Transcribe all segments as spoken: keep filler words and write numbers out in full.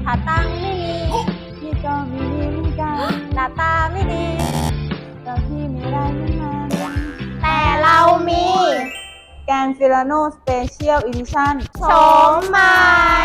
ถ้าตังค์ไม่มีพี่ก็มีดีเหมือนกันหน้าตาไม่ดีแต่พี่ไม่ได้เหมือนมันแต่เรามีแกนฟิลาโนสเปเชียลอีดิชั่นโฉมใหม่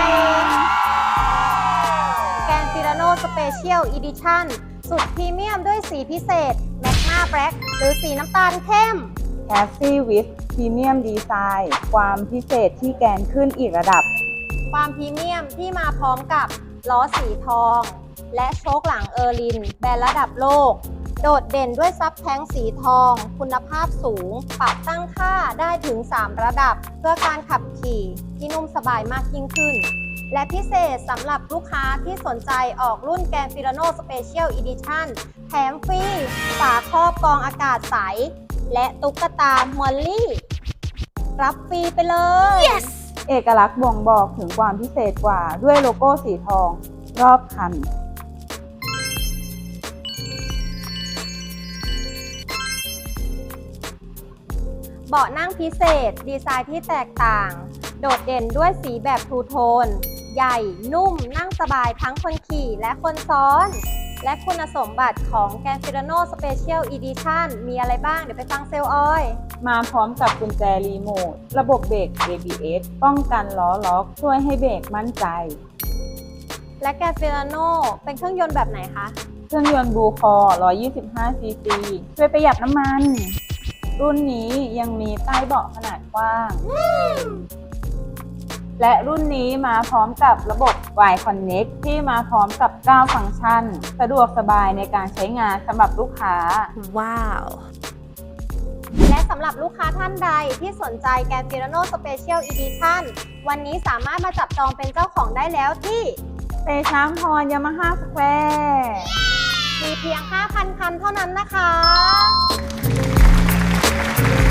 แกนฟิลาโนสเปเชียลอีดิชั่นสุดพรีเมียมด้วยสีพิเศษแมกนาแบล็กหรือสีน้ำตาลเข้มแคสซี่วิสพรีเมียมดีไซน์ความพิเศษที่แกนขึ้นอีกระดับความพรีเมียมที่มาพร้อมกับล้อสีทอง และโชคหลังเออร์ลินแบรนด์ระดับโลก โดดเด่นด้วยซับแท้งสีทอง คุณภาพสูง ปรับตั้งค่าได้ถึง สาม ระดับ เพื่อการขับขี่ที่นุ่มสบายมากยิ่งขึ้น และพิเศษสำหรับลูกค้าที่สนใจออกรุ่นแกนฟิลาโนสเปเชียลอีดิชั่นแถมฟรีฝาครอบกรองอากาศใส และตุ๊กตามอลลี่ รับฟรีไปเลย yes! เอกลักษณ์บ่งบอกถึงความพิเศษกว่าด้วยโลโก้สีทอง รอบคันเบาะนั่งพิเศษดีไซน์ที่แตกต่าง โดดเด่นด้วยสีแบบทูโทน ใหญ่ นุ่ม นั่งสบายทั้งคนขี่และคนซ้อน และคุณสมบัติของแกนฟิลาโนสเปเชียลอีดิชั่นมีอะไรบ้าง เดี๋ยวไปฟังเซลล์ออยมาพร้อมกับกุญแจรีโมท ระบบเบรก เอ บี เอส ป้องกันล้อล็อก ช่วยให้เบรกมั่นใจและแกนฟิลาโนเป็นเครื่องยนต์แบบไหนคะเครื่องยนต์บลูคอร์ หนึ่งร้อยยี่สิบห้า ซี ซี ช่วยประหยัดน้ำมัน รุ่นนี้ยังมีใต้เบาะขนาดกว้าง และรุ่นนี้มาพร้อมกับระบบ Y Connect ที่มาพร้อมกับ เก้า ฟังก์ชัน สะดวกสบายในการใช้งานสำหรับลูกค้าว้าว และสำหรับลูกค้าท่านใดที่สนใจแกนฟิลาโนสเปเชียลอีดิชั่นวันนี้สามารถมาจับจองเป็นเจ้าของได้แล้วที่เตช้างพรยามาฮ่าสแควร์มีเพียง ห้าพัน คันเท่านั้นนะคะ